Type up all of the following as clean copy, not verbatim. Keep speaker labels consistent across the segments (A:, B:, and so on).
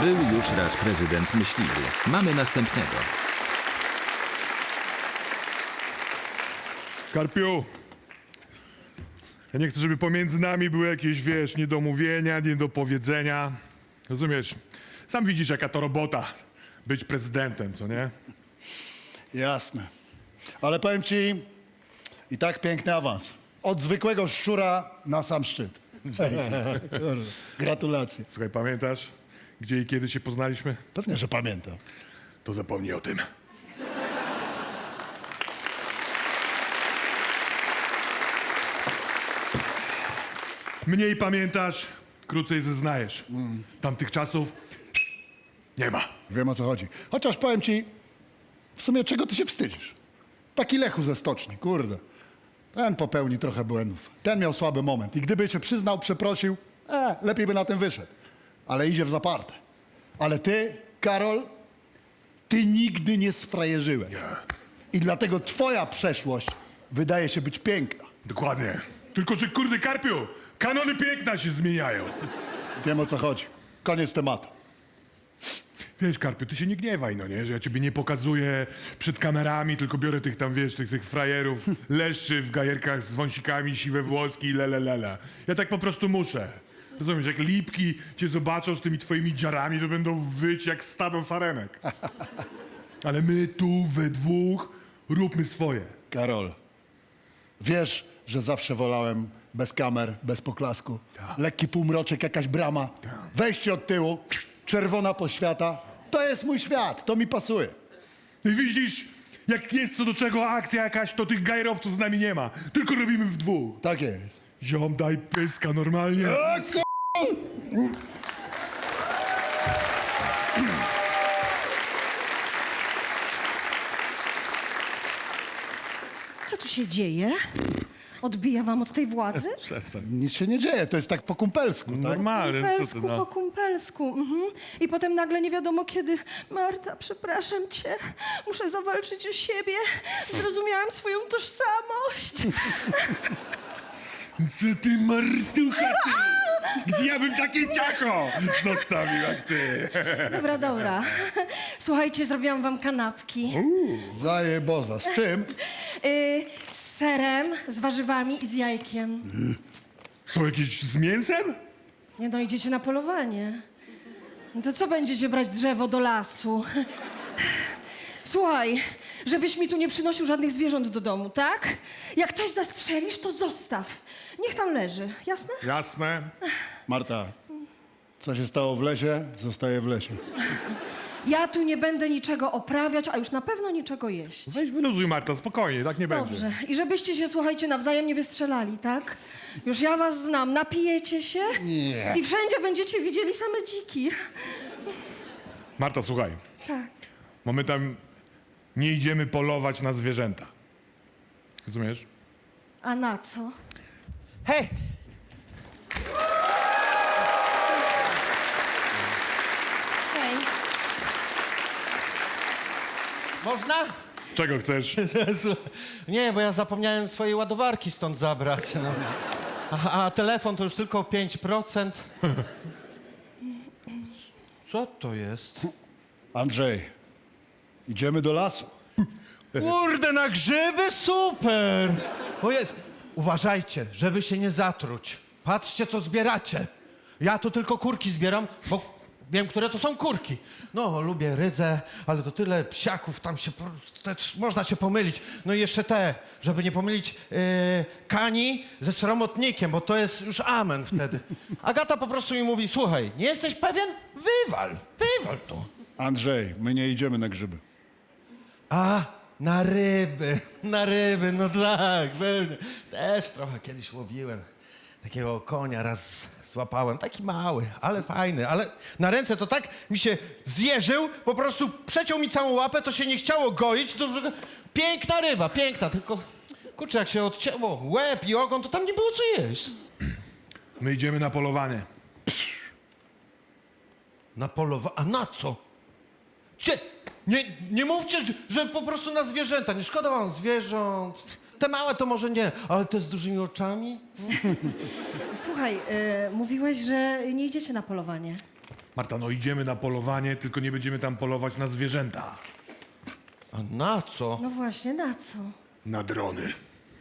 A: Był już raz prezydent myśliwy. Mamy następnego.
B: Karpiu, ja nie chcę, żeby pomiędzy nami były jakieś, wiesz, niedomówienia, niedopowiedzenia. Rozumiesz? Sam widzisz, jaka to robota być prezydentem, co nie?
C: Jasne. Ale powiem ci, i tak piękny awans. Od zwykłego szczura na sam szczyt. Gratulacje.
B: Słuchaj, pamiętasz, gdzie i kiedy się poznaliśmy?
C: Pewnie, że pamiętam.
B: To zapomnij o tym. Mniej pamiętasz, krócej zeznajesz. Tamtych czasów nie ma.
C: Wiem, o co chodzi. Chociaż powiem ci, w sumie czego ty się wstydzisz? Taki Lechu ze stoczni, kurde. Ten popełni trochę błędów. Ten miał słaby moment i gdyby się przyznał, przeprosił, lepiej by na tym wyszedł. Ale idzie w zaparte. Ale ty, Karol, ty nigdy nie sfrajerzyłeś. I dlatego twoja przeszłość wydaje się być piękna.
B: Dokładnie. Tylko, że kurde, Karpiu, kanony piękna się zmieniają.
C: Wiem, o co chodzi. Koniec tematu.
B: Wiesz, Karpiu, ty się nie gniewaj, no nie? Że ja ciebie nie pokazuję przed kamerami, tylko biorę tych tam, wiesz, tych frajerów, leszczy w gajerkach z wąsikami, siwe włoski i lele. Ja tak po prostu muszę. Rozumiesz, jak lipki cię zobaczą z tymi twoimi dziarami, to będą wyć jak stado sarenek. Ale my tu we dwóch róbmy swoje.
C: Karol, wiesz, że zawsze wolałem bez kamer, bez poklasku. Lekki półmroczek, jakaś brama, wejście od tyłu, czerwona poświata. To jest mój świat, to mi pasuje.
B: I widzisz, jak jest co do czego akcja jakaś, to tych gajerowców z nami nie ma. Tylko robimy w dwóch.
C: Tak jest.
B: Ziom, daj pyska normalnie.
D: Co tu się dzieje? Odbija wam od tej władzy?
B: Przestań.
C: Nic się nie dzieje, to jest tak po kumpelsku, tak?
B: Normalnie. co ty,
D: Kumpelsku
B: no.
D: po kumpelsku. I potem nagle nie wiadomo kiedy. Marta, przepraszam cię. Muszę zawalczyć o siebie. Zrozumiałam swoją tożsamość.
B: Co ty, martucha, ty? Gdzie ja bym takie ciacho zostawił jak ty?
D: Dobra. Słuchajcie, zrobiłam wam kanapki.
C: Zajeboza. Z czym?
D: Z serem, z warzywami i z jajkiem.
B: Są jakieś z mięsem?
D: Nie no, idziecie na polowanie. No to co będziecie brać drzewo do lasu? Słuchaj, żebyś mi tu nie przynosił żadnych zwierząt do domu, tak? Jak coś zastrzelisz, to zostaw. Niech tam leży, jasne?
B: Jasne.
C: Marta, co się stało w lesie, zostaje w lesie.
D: Ja tu nie będę niczego oprawiać, a już na pewno niczego jeść.
B: Weź wyluzuj, Marta, spokojnie, tak nie będzie.
D: Dobrze. I żebyście się, słuchajcie, nawzajem nie wystrzelali, tak? Już ja was znam. Napijecie się
C: Nie.
D: i wszędzie będziecie widzieli same dziki.
B: Marta, słuchaj,
D: Tak.
B: bo my tam nie idziemy polować na zwierzęta. Rozumiesz?
D: A na co?
E: Hej!
D: Hej.
E: Można?
B: Czego chcesz?
E: Nie, bo ja zapomniałem swojej ładowarki stąd zabrać. No. A telefon to już tylko 5%. Co to jest?
C: Andrzej, idziemy do lasu.
E: Kurde, na grzyby? Super! O jest. Uważajcie, żeby się nie zatruć. Patrzcie, co zbieracie. Ja tu tylko kurki zbieram, bo wiem, które to są kurki. No, lubię rydzę, ale to tyle psiaków, tam się też można się pomylić. No i jeszcze te, żeby nie pomylić kani ze sromotnikiem, bo to jest już amen wtedy. Agata po prostu mi mówi, słuchaj, nie jesteś pewien? Wywal to.
C: Andrzej, my nie idziemy na grzyby.
E: A, na ryby, no tak, pewnie. Też trochę kiedyś łowiłem. Takiego konia raz złapałem, taki mały, ale fajny, ale na ręce to tak mi się zjeżył, po prostu przeciął mi całą łapę, to się nie chciało goić, to piękna ryba, piękna, tylko kurczę, jak się odcięło łeb i ogon, to tam nie było co jeść.
B: My idziemy na polowanie.
E: Na polowanie, a na co? Nie mówcie, że po prostu na zwierzęta, nie szkoda wam zwierząt. Te małe to może nie, ale te z dużymi oczami?
D: Słuchaj, mówiłeś, że nie idziecie na polowanie.
B: Marta, no idziemy na polowanie, tylko nie będziemy tam polować na zwierzęta.
E: A na co?
D: No właśnie, na co?
B: Na drony.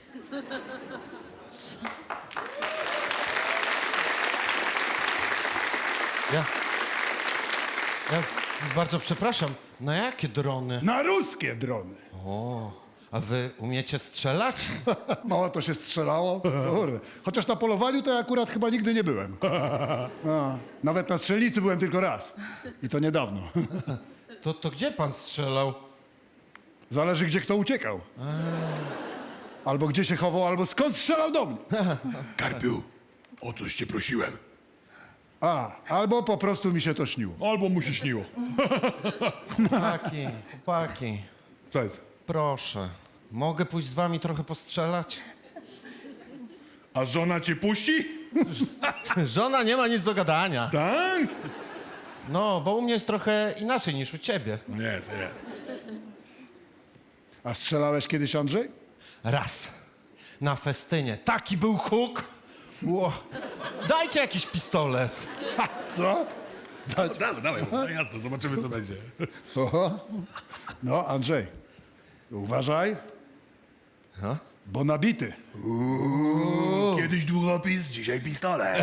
E: Ja bardzo przepraszam, na jakie drony?
C: Na ruskie drony.
E: A wy umiecie strzelać?
C: Mało to się strzelało. Kurde. Chociaż na polowaniu to ja akurat chyba nigdy nie byłem. A, nawet na strzelnicy byłem tylko raz. I to niedawno.
E: To gdzie pan strzelał?
C: Zależy, gdzie kto uciekał. Albo gdzie się chował, albo skąd strzelał do mnie.
B: Karpiu, o coś cię prosiłem.
C: Albo po prostu mi się to śniło.
B: Albo mu się śniło.
E: Chłopaki,
B: Co jest?
E: proszę. Mogę pójść z wami trochę postrzelać?
B: A żona cię puści?
E: Żona nie ma nic do gadania.
B: Tak?
E: No, bo u mnie jest trochę inaczej niż u ciebie.
B: No jest.
C: A strzelałeś kiedyś, Andrzej?
E: Raz. Na festynie. Taki był huk. Ło. Dajcie jakiś pistolet.
C: Co?
B: Dawaj, no jasne, zobaczymy co będzie.
C: Oho. No, Andrzej, uważaj, bo nabity.
B: Kiedyś długopis, dzisiaj pistolet.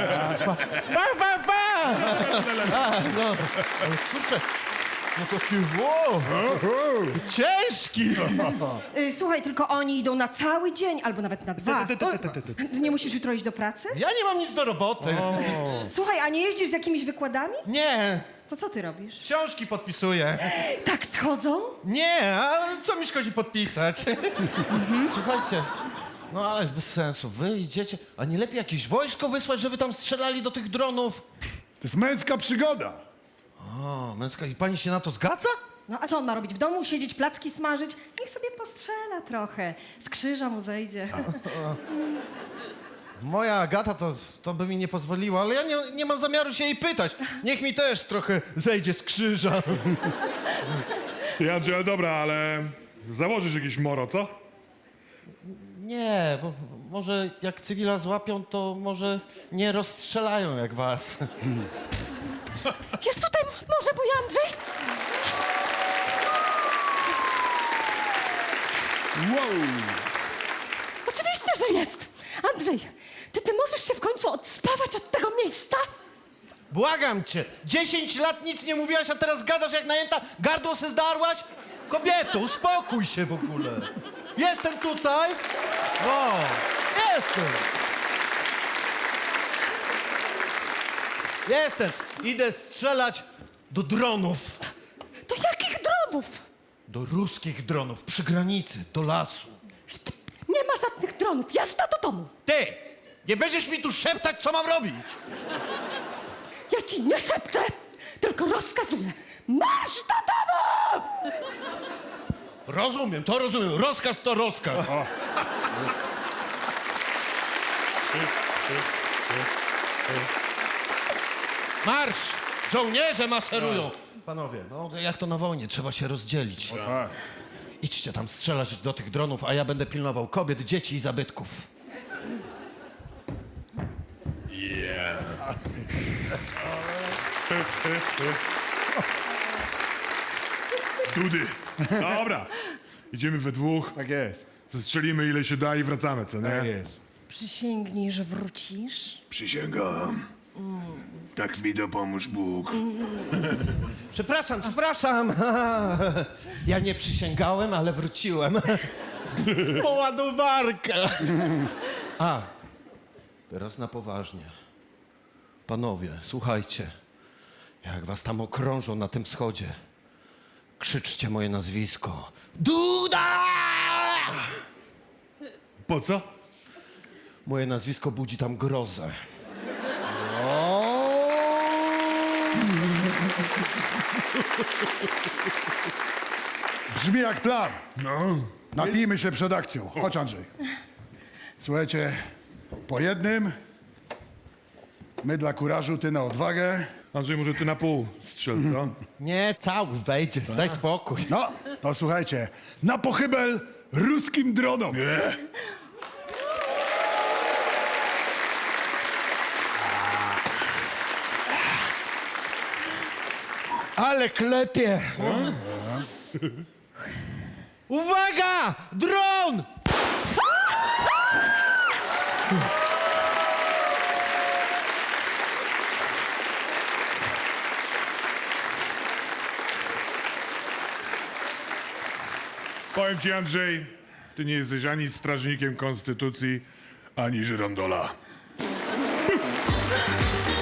E: No, ale kurczę. No taki, wow. Ciężki.
D: Słuchaj, tylko oni idą na cały dzień, albo nawet na 2. Nie musisz jutro iść do pracy?
E: Ja nie mam nic do roboty.
D: Słuchaj, a nie jeździsz z jakimiś wykładami?
E: Nie,
D: To co ty robisz?
E: książki podpisuję.
D: Tak schodzą?
E: Nie, ale co mi szkodzi podpisać? Słuchajcie, no ale bez sensu. Wy idziecie, a nie lepiej jakieś wojsko wysłać, żeby tam strzelali do tych dronów?
C: To jest męska przygoda.
E: O, męska, i pani się na to zgadza?
D: No a co on ma robić? W domu siedzieć, placki smażyć? Niech sobie postrzela trochę. Z krzyża mu zejdzie.
E: Moja Agata to by mi nie pozwoliła, ale ja nie mam zamiaru się jej pytać. Niech mi też trochę zejdzie z krzyża.
B: Ty, Andrzej, dobra, ale założysz jakieś moro, co?
E: Nie, bo może jak cywila złapią, to może nie rozstrzelają jak was.
D: Jest tutaj może mój Andrzej?
F: Oczywiście, że jest! Andrzej, ty możesz się w końcu odspawać od tego miejsca?
E: Błagam cię, 10 lat nic nie mówiłaś, a teraz gadasz jak najęta, gardło se zdarłaś? Kobieto, uspokój się w ogóle. Jestem tutaj. O, jestem. Jestem. Idę strzelać do dronów.
F: Do jakich dronów?
E: Do ruskich dronów, przy granicy, do lasu.
F: Nie ma żadnych dronów. Jazda do domu.
E: Ty, nie będziesz mi tu szeptać, co mam robić.
F: Ja ci nie szepczę, tylko rozkazuję. Marsz do domu!
E: Rozumiem, to rozumiem. Rozkaz to rozkaz. Marsz! Żołnierze maszerują! Panowie, no jak to na wojnie, trzeba się rozdzielić. Idźcie tam strzelać do tych dronów, a ja będę pilnował kobiet, dzieci i zabytków.
B: Dudy. Dobra. Idziemy we dwóch,
C: Tak jest.
B: zestrzelimy ile się da i wracamy, co
C: Tak
B: nie?
C: jest.
D: Przysięgnij, że wrócisz.
B: Przysięgam. Tak mi dopomóż Bóg.
E: Przepraszam. Ja nie przysięgałem, ale wróciłem. Po ładowarkę. A, teraz na poważnie. Panowie, słuchajcie. Jak was tam okrążą na tym wschodzie, krzyczcie moje nazwisko. Duda!
B: Po co?
E: Moje nazwisko budzi tam grozę.
C: Brzmi jak plan. No. Napijmy się przed akcją. Chodź, Andrzej. Słuchajcie, po jednym. My dla kurażu, ty na odwagę.
B: Andrzej, może ty na pół strzel, co?
E: Nie, cały wejdzie, daj spokój.
C: No, to słuchajcie, na pochybel ruskim dronom.
E: Ale klepie! Uwaga! Dron!
B: Powiem ci, Andrzej, ty nie jesteś ani strażnikiem konstytucji, ani żyrondola.